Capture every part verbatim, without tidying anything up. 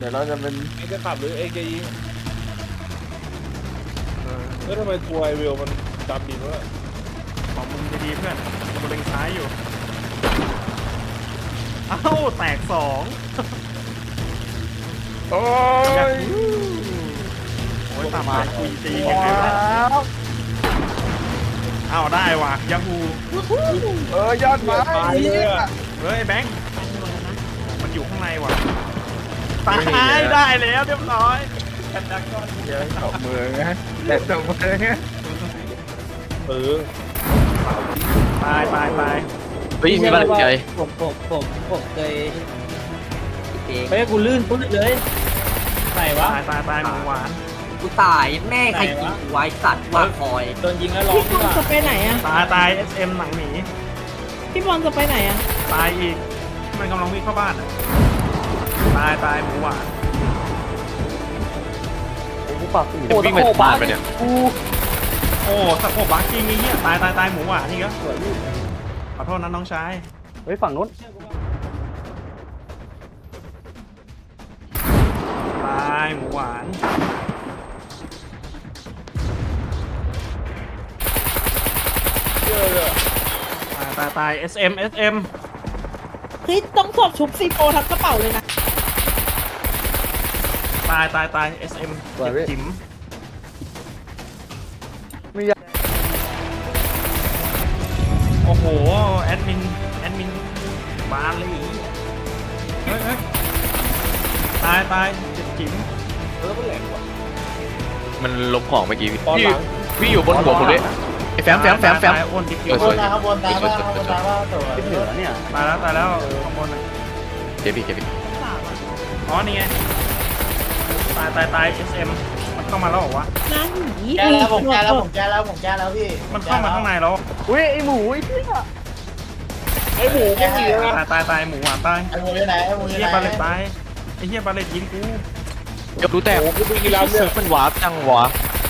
เดี๋ยวเราจะเป็นเอ็งจะขับหรือเอ็งจะยิงแล้วทำไมทัวร์ไอวิวมันดำดินวะของมึงดีๆเพื่อนกูเล็งซ้ายอยู่เอ้าแตกสองโอ้ยโอ้ยตามมาคุยตียังไงวะเอ้าได้ว่ะยาฮูเออยอดไม้เนี่ยเฮ้ยแบงค์มันอยู่ข้างในว่ะตายได้แล้วเรียบร้อยแอนดักก้อนเดี๋ยวตบมือไงแต่ตบมือไงเออตายตายตายเฮ้ยมีบ้านใจผมผมผมผมเคยไม่ให้กูลื่นปุ๊บเลยไหนวะตายตายตายหมูหวานกูตายแม่ใครกินกูไว้สัตว์ว่าคอยโดนยิงแล้วร้องพี่บอลจะไปไหนอะตายตายเอสเอ็มหนังหมีพี่บอลจะไปไหนอะตายอีกมันกำลังวิ่งเข้าบ้านอะตายตายหมูหวานกูปากวิ่งไปบ้านไปเนี่ยโอ้สะโพกบาร์กิ้งนี่เหี้ยตายตายตายหมูหวานนี่ก็ขอโทษนะน้องชายเฮ้ยฝั่งนู้นตายหมูหวานเยอะเลยตายตายตาย เอส เอ็ม เอส เอ็มเฮ้ยต้องสอบชุบซีโฟทั้งกระเป๋าเลยนะตายตายตาย เอส เอ็มสวยพี่จิ๋มมียาโอ้โหแอดมินแอดมินบานเลยเฮ้ยเฮ้ยตายตายเจ็บจิ๋มเออมันแหลกว่ะมันลบของเมื่อกี้ตอนพี่หลังพี่อยู่บนหัวผมเลยไอ้แฟมแฟมแฟมแฟมตายอ้วนดิบเออสวยข้างบนตายบ้างข้างบนตายบ้างสวยที่เหลือเนี่ยตายแล้วตายแล้วข้างบนน่ะเจ็บพี่เจ็บพี่อ๋อนี่ไงตายตายตาย เอส เอ็ม มันเข้ามาแล้วเหรอวะนั่นหนีแก้แล้วผมแก้แล้วผมแก้แล้วผมแก้แล้วพี่มันเข้ามาข้างในแล้วอุ้ยไอหมูไอพี่ไอหมูก็มีนะตายตายตายหมูหวานตายไอหมูอยู่ไหนไอหมูอไอ้ยู่เฮียไหนบาเลตตายไอ้เฮียบาเลตยิงกูยกรู้แต่โอ้กูไปกินร้านเนี่ยมันวาร์ปจังวะ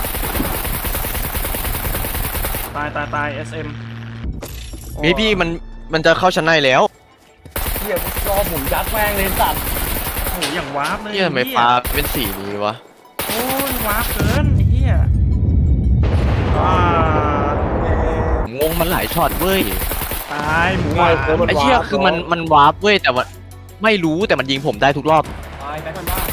ตายตายตาย เอส เอ็มเฮ้ยพี่มันมันจะเข้าชั้นในแล้วเหี้ยรอหมุนยัดแม่งเลยสัตว์โอ้โหอย่างวาร์ปเลยเฮียทำไมฟ้าเป็นสีนี้วะโอ้ยวาร์ปเกินไอ้เฮียอ่าผมงงมันหลายช็อตเว้ยตายหมูหวานไอ้เหี้ยคือมันมันวาร์ปเว้ยแต่ว่าไม่รู้แต่มันยิงผมได้ทุกรอบตายไปกันบ้าง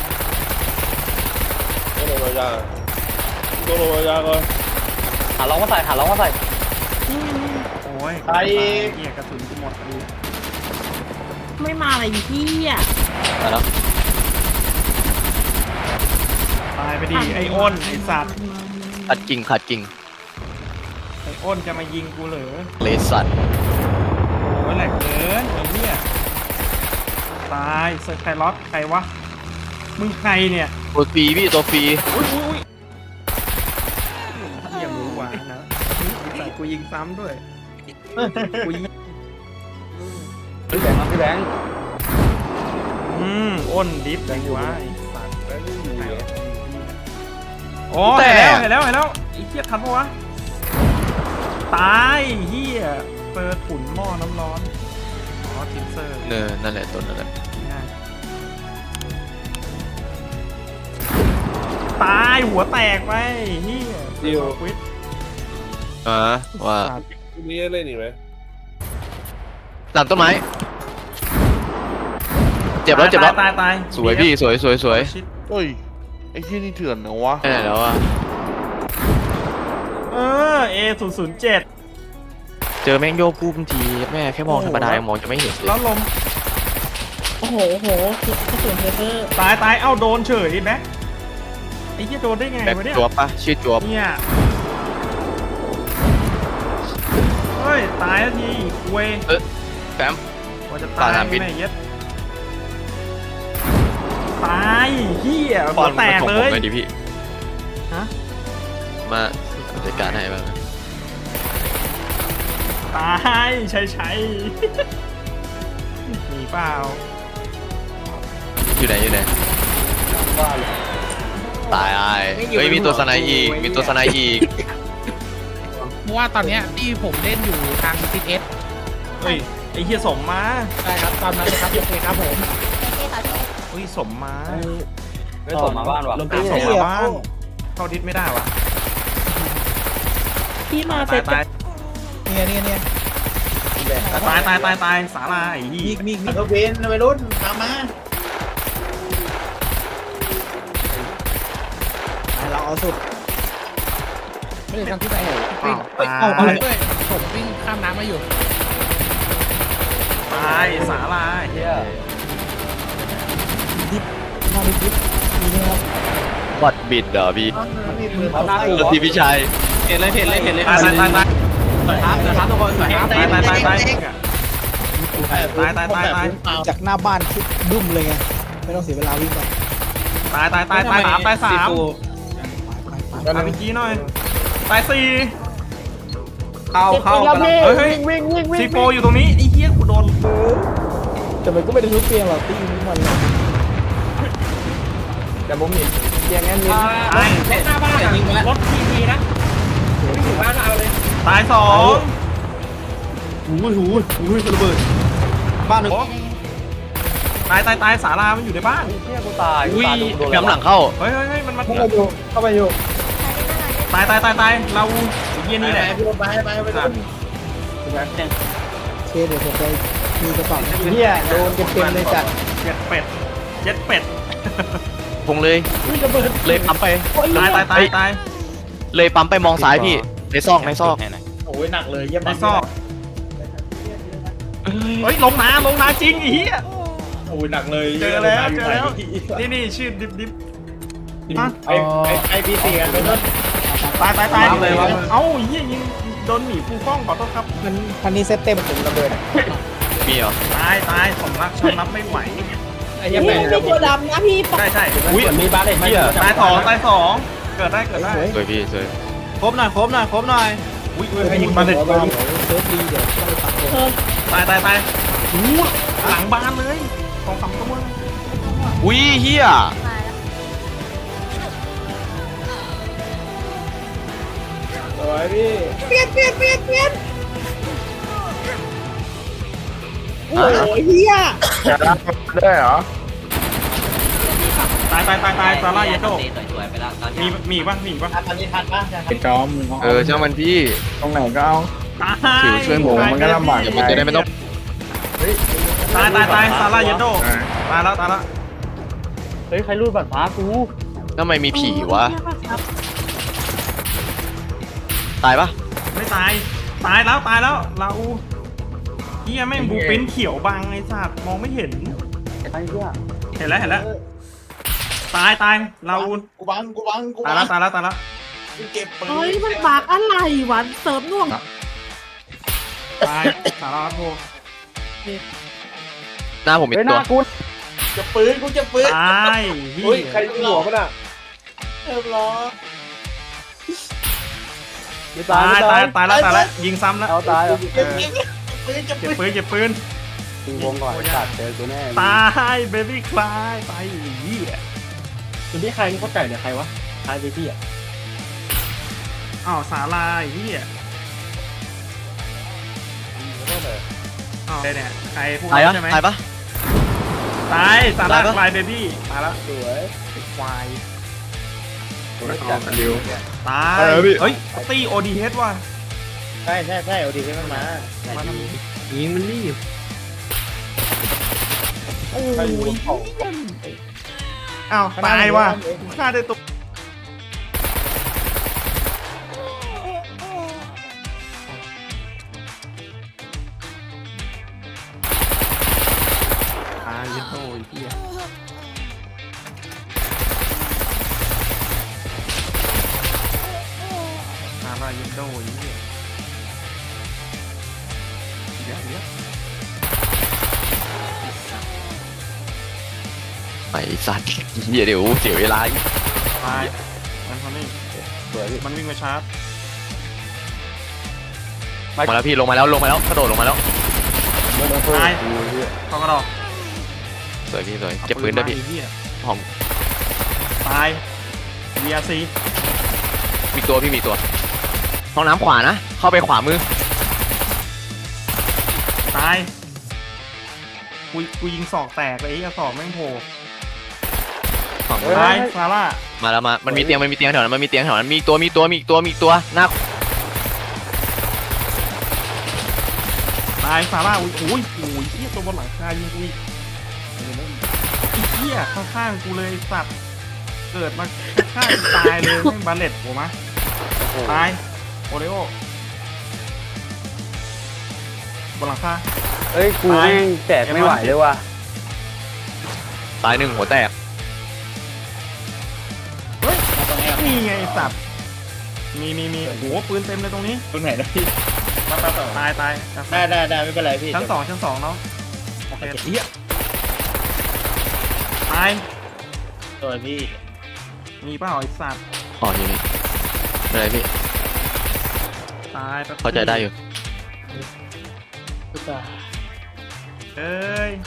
ตัวโรยาตัวโรยาก่อนหาร้องมาใส่หาร้องมาใส่โอ้ยตายอีกเฮียกระสุนกูหมดดูไม่มาอะไรพี่อะแต่แล้วตายไปดิไอ้อ้นไอ้สัตว์ขัดกิ่งขัดกิ่งไอ้อ้นจะมายิงกูเหรอเลสัตว์โอ้ยแหลกเกินไอ้เฮียตายเซอร์ไคลอสใครวะมึงใครเนี่ยตัวฟรีพี่ตัวฟรีอุ้ยอุ้ยเฮียหมูหวานนะใส่กูยิงซ้ำด้วยกูยิงพี่แบงค์ครับพี่แบงค์อืมอ้นดิฟแบงค์วะไอ้สัตว์แล้วนี่อยู่เหรอโอ้เห็นแล้วเห็นแล้วเห็นแล้วไอ้เหี้ยทันปะวะตายเหี้ยเปิดถุนหม้อน้ำร้อนอ๋อทินเซอร์เนอนั่นแหละตัวนั่นแหละง่ายตายหัวแตกไปเหี้ยเดียวควิดอ่าว่าพรุ่งนี้เล่นอีกไหมหลังต้นไม้เจ็บแล้วเจ็บแล้วตายตายสวยพี่สวยสวยสวยชิดเฮ้ยไอ้ที่นี่เถื่อนนะวะแค่ไหนแล้วอะเออ เอ ศูนย์ ศูนย์ เจ็ดเจอแม่งโยกปุ๊บทีแม่แค่มองธรรมดายังมองจะไม่เห็นเลยแล้วลมโอ้โหโอ้โหกระสุนเทเตอร์ตายตายเอ้าโดนเฉยแบ็คไอ้เหี้ยโดนได้ไงแบ็ควะเนี่ยจวบปะชื่อจวบเนี่ยเฮ้ยตายแล้วทีเว้ยแฟมว่าจะปาตายดน้ำพิษไหนเย็ดตายเฮียปหัอวน แตมาก ส่งเลผมยหน่อยดิพี่ฮะมาจัดการให้บ้างตายใช่ใช่หนีเปล่าอยู่ไหนอยู่ไหนตายไอ้เฮ้ยมีตัวสไนอีกมีตัวสไนอีกเพราะว่าตอนเนี้ยที่ผมเล่นอยู่ทางซีเอสเฮ้ยไอเฮียส่งมาได้ครับตามนั้นเลยครับโอเคครับผมอุ้ยอุ้ยสมมาไม่ส่งมาบ้านวะอ่ะสมมาบ้านเข้าทิศไม่ได้วะพี่มาเซตายตตายเนี่ยเนี่ยเนี่ยตายตายตายตายสาลาไอ้ยี่มีมีมีรถเบนซ์วัยรุ่นตามมาเราเอาสุดไม่ได้ทำที่ไหนเหรออ้าวตาเอายเอาเลยผมวิ่งข้ามน้ำมาอยู่ตายสาลาเฮียดิบมาดิบดิบมีเนี่ยครับบัตรบิดเหรอพี่เอาหน้าอู่รถทีพี่ชายเห็นเลยเห็นเลยเห็นเลยตายตายตายตายสวยครับสวยครับทุกคนสวยครับตายตายตายตายตายตายตายตายจากหน้าบ้านคิดดุ้มเลยไงไม่ต้องเสียเวลาวิ่งไปตายตายตายตายสามตายสามไปไปตายเมื่อกี้หน่อยตายสี่เข้าเข้าเฮ้ยเฮ้ยซีโฟอยู่ตรงนี้ไอ้เหี้ยกูโดนแต่มันก็ไม่ได้ทุกเตียงหรอกตีนี้มันเลยแต่ผมเห็นเตียงนั้นมีตายรถหน้าบ้านยิงไปแล้วรถทีทีนะไม่ถึงบ้านเราเลยตายสองหูหูหูระเบิดบ้านหนึ่งตายตายตายสารามันอยู่ในบ้านเที่ยกูตายอุ้ยกำลังเข้าเฮ้ยเฮ้ยเฮ้ยมันมันเข้าไปอยู่เข้าไปอยู่ตายตายตายตายเราไอ้เหี้ยนี่แหละไปไปไปไปเคเดี๋ยวผมไปมีกระเป๋าเนี่ยโดนเต็มๆเลยจัดเจ็ดเป็ดเจ็ดเป็ดพงเลย เลยปั๊มไปตายตายตายตายเลยปั๊มไปมองซ้ายพี่ ในซอกในซอกโอ้ยหนักเลยเยี่ยมในซอกเฮ้ยลงน้ำลงน้ำจริงไอ้เหี้ยโอ้ยหนักเลยเจอแล้วเจอแล้วนี่นี่ชื่อดิบดิบไอไอไอพีซีกันไปนู่นตายตายตายเอ้าเหี้ยยิงโดนหมีฟูฟ้องขอโทษครับมันคันนี้เซตเต็มผมระเบิดมีเหรอตายตายสมรักชอบนับไม่ไหวไอ้พี่ยังไงไม่ตัวดำนะพี่ปะใช่ใช่อุ้ยมีบ้านเลยตายสองตายสองเกิดได้เกิดได้สวยพี่สวยครบหน่อยครบหน่อยครบหน่อยอุ้ยอุ้ยให้ยิงมาเลยเซฟดีเดี๋ยวต้องไปตัดเลยเออตายตายตายหูหลังบ้านเลยสองสามตัวอุ้ยเฮียสวยพี่เปลี่ยนเปลี่ยนเปลี่ยนเปลี่ยนโอ้ยเฮียได้เหรอตายตายตายตายซาร่าเยโต้สวยๆไปแล้วตอนมีนี้มีป่ะมีป่ะตอนนี้ทันป่ะเป็นจอมเออช่างมันพี่ตรงไหนก็เอาตายถือช่วยหมูมันก็ลำบาก เดี๋ยวมันจะได้ไม่ต้องตายตายตายซาร่าเยโต้ตายแล้วตายแล้วเฮ้ยใครรูดบัตรฟ้ากูทำไมมีผีวะ ตายปะไม่ตายตายแล้วตายแล้วลาอูเฮียแม่งบูปิ้นเขียวบังไอ้สัตว์มองไม่เห็นไอ้เหี้ยเห็นแล้วเห็นแล้วตายตายลาอูกูบังกูบังกูตายบัแล้วงตายแล้วตายแล้วกูเก็บปืนเฮ้ยมันบากอะไรวะเสริมน่วงตายสาราโทหน้าผมมีเฮ้ยหตัวน้ากูจะปืนกูจะปืนตายเฮีเฮ้ยยใครยิงหัวมันอ่ะเรียบร้อยไม่ตาตายยตายตายแล้วตายแล้วยิงซ้ำแล้วเอาตายเก็บเก็บปืนจะเก็ปืบนปืนเก็บปืนตีวงก่อนตัดเจอกูแน่ตายเบบี้คลายตายเฮียคือที่ใครนี่เขาไก่เนี่ยใครวะใครพี่อ่ะอ้าวสาลาเฮียอ้าวเนี่ยใครพวกตายเราปะใช่ไหมตายปะตายสาลาตายปะคลายเบบี้ตายแล้วสวยควายจัดเร็วตายเออพี่เฮ้ยตีโอดีเฮดว่ะใช่ใช่ใช่เอาดีให้มันมามาทำนี้ยิงมันรีบโอ้ยอ้าวตายว่ะกูฆ่าได้ตัวตายยันโตไอ้เหี้ยตายยันโตไอ้เหี้ยเดี๋ยวเดี๋ยวไอ้สัตว์เหี้ยเดี๋ยวเสียเวลาอีกตายมันทำนี่สวยพี่มันวิ่งมาชาร์จมาแล้วพี่ลงมาแล้วลงมาแล้วกระโดดลงมาแล้วตายเข้ากระดอกสวยพี่สวยเก็บปืนด้วยพี่อาปืนมาไอ้เหี้ยห้องตาย วี อาร์ ซีมีตัวพี่มีตัว ห้องน้ำขวานะ เข้าไปขวามือตาย กูกูยิงศอกแตกเลยไอ้เหี้ยศอกแม่งโผล่ตายซาร่ามาแล้วมามันมีเตียงมันมีเตียงแถวนั้นมันมีเตียงแถวนั้นมีอีกตัวมีอีกตัวมีอีกตัวมีอีกตัวหน้าตายซาร่าอุ้ยโอ้ยโอ้ยเหี้ยตัวบนหลังคายิงกูอีกไอ้เหี้ยข้างๆกูเลยสัตว์เกิดมาข้างๆตายเลยแม่งบาเลตโอ้มาตายโอเลโอบนหลังคาเอ้ยกูแม่งแตกไม่ไหวเลยว่ะตายหนึ่งหัวแตกนี่ไงไอ้สัตว์มีมีมีโอ้โหปืนเต็มเลยตรงนี้ตรงไหนนะพี่ตายตายได้ได้ได้ไม่เป็นไรพี่ชั้นสองชั้นสองเนาะโอเคเหี้ยตายตัวพี่มีเปล่าไอ้สัตว์อ๋ออยู่นี่ไม่เป็นไรพี่ตายแป๊บเข้าใจได้อยู่เอ้ย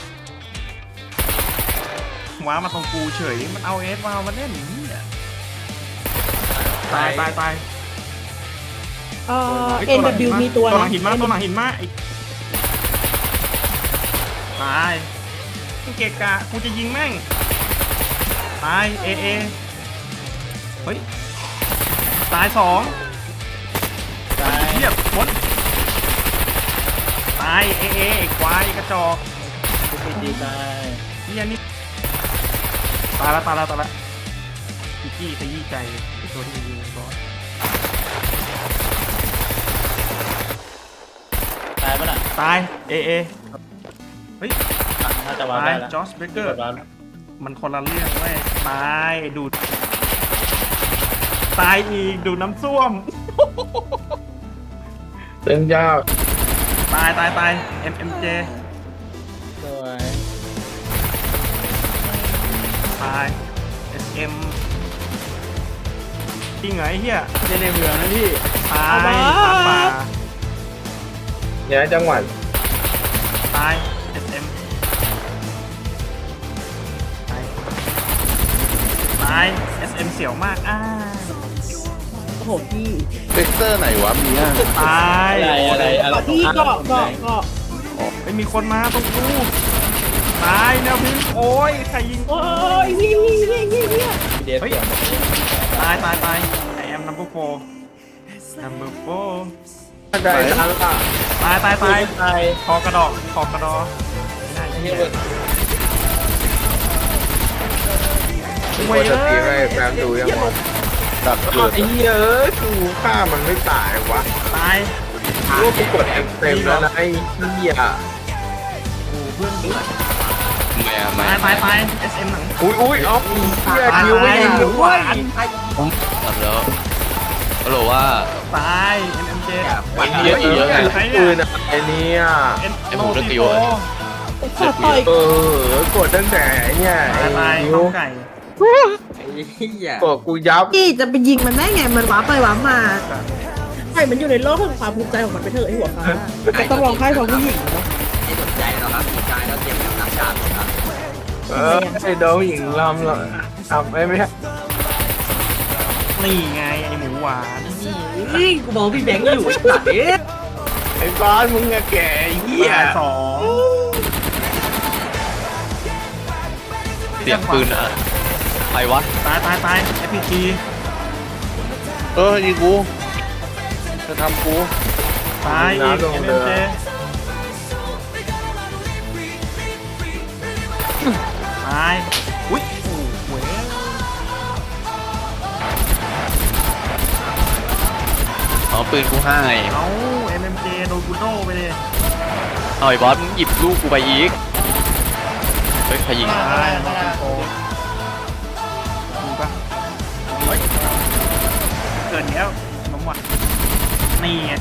ว้ามาตรงกูเฉยมันเอาเอสวาวมาเล่นอย่างนี้อ่ะตายตายตายเอ่อ เอ็น ดับเบิลยู มีตัวตัวหลันะงหินมาตัวหลังหินมาไอ้ตายกูเกะกะกูจะยิงแม่งตายเอเอเฮ้ยตายสองตายเทียบหมดตายเอเอไอ้ควายกระจอกพี่ดีตายเฮียนี่ตายแล้วตายแล้วตายแล้วพี่กี้ขยี้ใจไอ้ตัวที่ยิงบอสตายปะน่ะตายเอเอเฮ้ยน่าจะวางตายได้แล้วจอสเบเกอร์วางมันคนละเรื่องเว้ยตายดูดตายอีกดูดน้ำส้วมเล่นยากตายตายตาย เอ็ม เอ็ม เจสวยตาย เอส เอ็ม จริงเหรอไอ้เหี้ยเล่นในเมืองนะพี่ตายตายป่าย้ายจังหวัดตาย เอส เอ็ม ตายตาย เอส เอ็ม เสียวมากอ้าโอ้โหพี่เวกเตอร์ไหนวะมีอ่ะตายอะไรอะไรอะไรพี่เกาะเกาะเกาะไม่มีคนมาตรงกูตายแนวพิงโอ้ยใครยิงโอ้ยพี่พี่พี่พี่พี่พี่เดฟเสียงตายตายตาย I am number four number four ได้ทันละตายตายตายตายคอกระดอกคอกระดอไม่ได้ไอ้เหี้เหี้ยยเว้ยจะตีเอ้ให้ยแฟนดูยังวะดับเกิดไอ้เหี้ยเอ้ยกูฆ่ามันไม่ตายวะตายลูกกูกดเต็มแล้วนะไอ้เหี้ยโอ้เพื่อนเพื่อนไม่อะไม่ตายตายตาย เอส เอ็ม หนังอุ้ยอุ้ยออฟเหี้ยคิวไม่ยิงหวานทำแล้วก็รู้ว่าตาย เอ็ม เอ็ม เจวันเยอะเยอะไงใครปืเนี่ยนอะไรเนี่ยเอ็นไอ้โนหมูเลือกซีกี่โฟวะขอต่อยเออกดตั้งแต่เนี่ยตายตายไอ้ข้านิ้ววไก่ไอ้เหี้ยกดกูยับพี่จะไปยิงมันได้ไง มันว้าไปว้ามาใช่มันอยู่ในโลกแห่งความภูมิใจของมันไปเถอะไอ้หัวฟ้าก็ต้องร้องไห้ของผู้หญิงเนาะไม่สนใจหรอกครับสุดท้ายแล้วเตรียมน้ำหนักชาติหมดครับเออไอ้โดนหญิงลำละทำไอ้ไม่ใช่นี่ไงไอหมูหวานนี่กูบอกพี่แบงค์อยู่ไอ้สัตว์เอ๊ะไอ้บอสมึงอะแก่เหี้ยตายสองเสียงปืนอะใครวะตายตายตาย เอฟ พี จีเออยิงกูจะทำกูตายอีกน้ำลงเอ็มเรือเจตายอุ้ยโอ้โหอ๋อปืนกูให้เอา เอ็ม เอ็ม เจ โดนกูโดไปเลยเอาไอ้บอสมึงหยิบลูกกูไปอีกเฮ้ยใครยิงตายโดนโกดูปะเฮ้ยเกิดแล้วน้ำหวานนี่ไง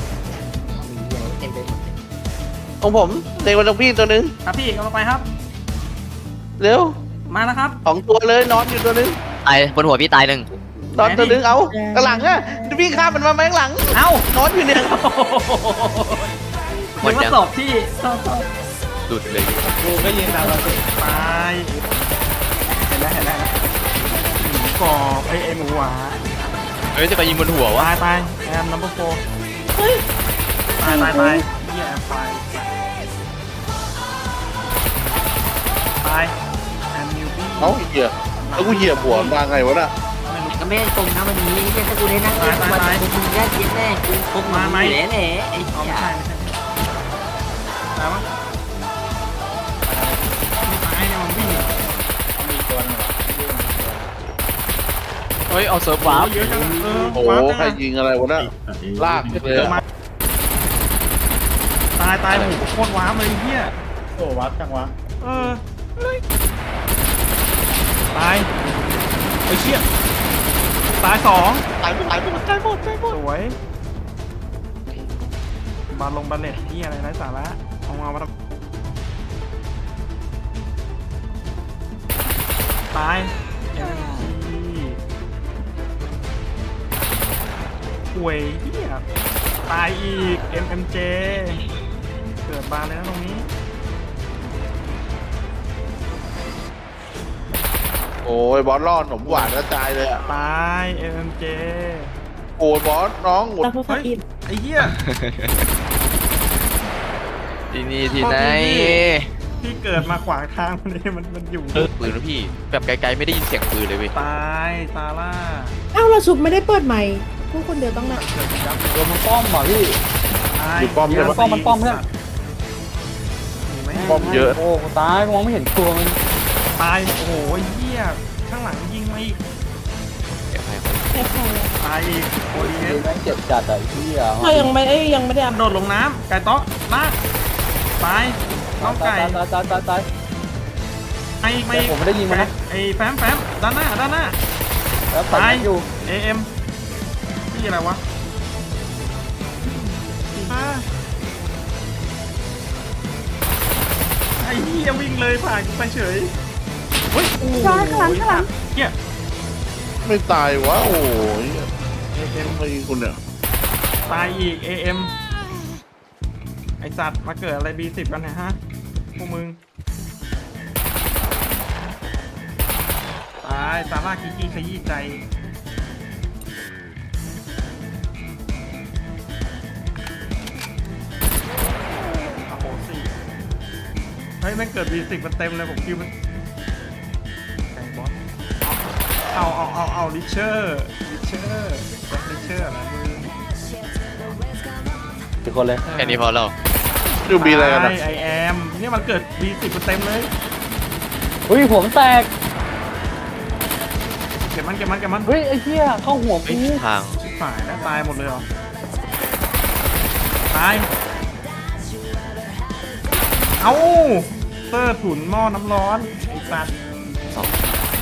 ของผมเด็กวันตรงพี่ตัวนึงครับพี่กำลังไปครับเร็วมาแล้วครับสองตัวเลยนอนอยู่ตัวนึงตายบนหัวพี่ตายหนึ่งนอนตัวนึงเอากระหลังอะพี่ข้ามมันมาไหมข้างหลังเอ้านอนอยู่เนี่ยหมดยังสอบพี่สอบสอบหลุดเลยกูก็ยิงตามเราสิตายเห็นแล้วเห็นแล้วหมูกรอบไอไอหมูหวานเฮ้ยจะไปยิงบนหัววะตายตายแอมนัมเบอร์โฟเฮ้ยตายตายตายเฮียแอมไฟตายแอมนิวบี้เอ้าเหี้ยตแล้วกูเหยียบหัวมาไงวะน่ะก็ไม่ได้ตรงนะวันนี้เนี่ยถ้ากูได้นั่งเล่นวันนี้มึงได้เย็นแน่กูพกมาไม่แหล่แหล่ไอ้เอาเหี้ไม่ยใช่ไม่ใช่ตายปะไม่ตายเนี่ยมันวิ่งมีตัวหนึงเหรอเฮ้ยเอาเซิร์ฟว้าวาว ร์ปเยอะจังเออโอ้ว้าวโหจังใครอะยิงอะไรวะน่ะลากเลยเดี๋ยวอะมาตายตายโหโคตรว้าวเลยไอ้เฮียโอ้วัดจังวะเออตายไอ้เชี่ยตายสองตายหมดตายหมดตายหมดตายหมดสวยบาลงบาเลตที่อะไรไร้สาระเอามามาทำตายเอ็มจีป่วยเฮียตายอีก เอ็ม เอ็ม เจ เกิดบานเลยนะตรงนี้โอ้ยบอสล่อขนมหวานกระจายเลยอ่ะตาย เอ็ม เอ็ม เจโอ้ยบอสน้องหมดตาโทรศัพท์อินไอ้เหี้ยที่นี่ที่ไหนพี่เกิดมาขวางทางมันนี่มันมันอยู่ปืนนะพี่แบบไกลๆไม่ได้ยินเสียงปืนเลยเว้ยตายซาร่าเอ้าเราชุบไม่ได้เปิดใหม่พูดคนเดียวต้องนะเกิดยับโดนมันป้อมเหรอพี่ตายอยู่ป้อมใช่ไหมป้อมมันป้อมเพื่อนมีไหมป้อมเยอะโอ้กูตายมองไม่เห็นตัวมันตาย โอ้โหไอ้เหี้ย ข้างหลังยิงมาอีกเดี๋ยวให้คนแค่พอแล้วตายอีกโอดีเอดูสแม่งเจ็บจัดอ่ะไอ้พี่อ่ะเรายังไม่เอ้ยยังไม่ได้อัพโดดลงน้ำไก่ต๊อกลากตายน้องไก่ตายตายตายตายไอ้ไม่แต่ผมไม่ได้ยิงมันนะไอ้แฟมแฟมด้านหน้าด้านหน้าแล้วตายอยู่เอเอ็มพี่อะไรวะอ่าไอ้เหี้ยวิ่งเลยผ่านกูไปเฉยเฮ้ยโอ้โหข้างหลังข้างหลังเหี้ยไม่ตายวะโอ้ยเอเอ็มใครยิงคุณเนี่ยตายอีกเอเอ็มไอสัตว์มาเกิดอะไรบีสิบกันเนี่ยฮะพวกมึงตายซาร่ากิกี้ขยี้ใจโอ้โหสี่เฮ้ยแม่งเกิดบีสิบมันเต็มเลยผมคิวมันแข่งบอสเอาเอาเอาเอาลิเชอร์ลิเชอร์แจ็คลิเชอร์อะไรมึงทุกคนเลยแค่นี้พอแล้วดูบีอะไรกันนะไอแอมเนี่ยมันเกิดบีสิบเต็มเลยอุ้ยผมแตกเก็บมันเก็บมันเก็บมันเฮ้ยไอ้เหี้ยเข้าหัวเฮ้กูยทางชิบหายแล้วตายหมดเลยเหรอตายเอาเตอร์ถุนหม้อน้ำร้อนไอสัตว์สอง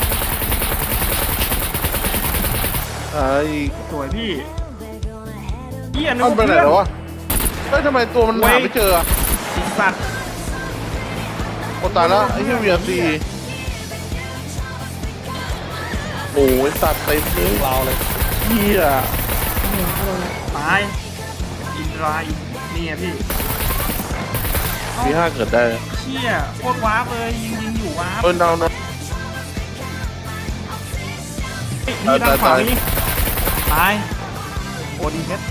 ไอ้สวยพี่เหี้ยนึกมันว่าไปไหนเพื่อนแล้ววะเฮ้ยทำไมตัวมันหาไม่เจออะไอสัตว์โอ้ตายแล้วไอ้เหี้ยวีอาร์ซีโอ้ยสัตว์เต็มเลยเราเลยเหี้ยตายอินทราอีกนี่ไงพี่มีห้าเกิดได้เชี่ยโคตรว้าร์ปเลยยิงยิงอยู่ว้าร์ปเออเอานะเฮ้ยนี่ด้านขวานี่ตายโอดีเพชร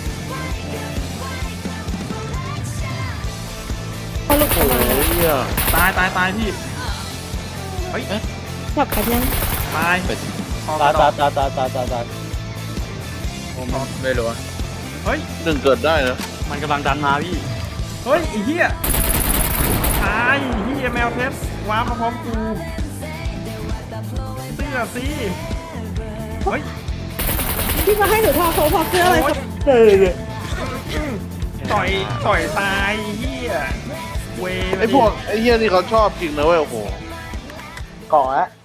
เขาลุกโอ้ยเหี้ยตายตายตายพี่เฮ้ยจับกันยังตายเป็นคอตายกระดตาอย กตายตายตายตายตายไม่รู้อะเฮ้ยหนึ่งเกิดได้นะมันกำลังดันมาพี่เฮ้ยไอ้เหี้ยตายเหี้ยแมวเทสว้าร์ปมาพร้อมกูเสื้อสิเฮ้ยที่มาให้หนูทอเขาพอเสื้ออะไรโอ้ยเออต่อยต่อยตายเหี้ยเวไอ้พวกไอ้เหี้ยนี่เขาชอบจริงนะเว้ยโอ้โหเกาะอะ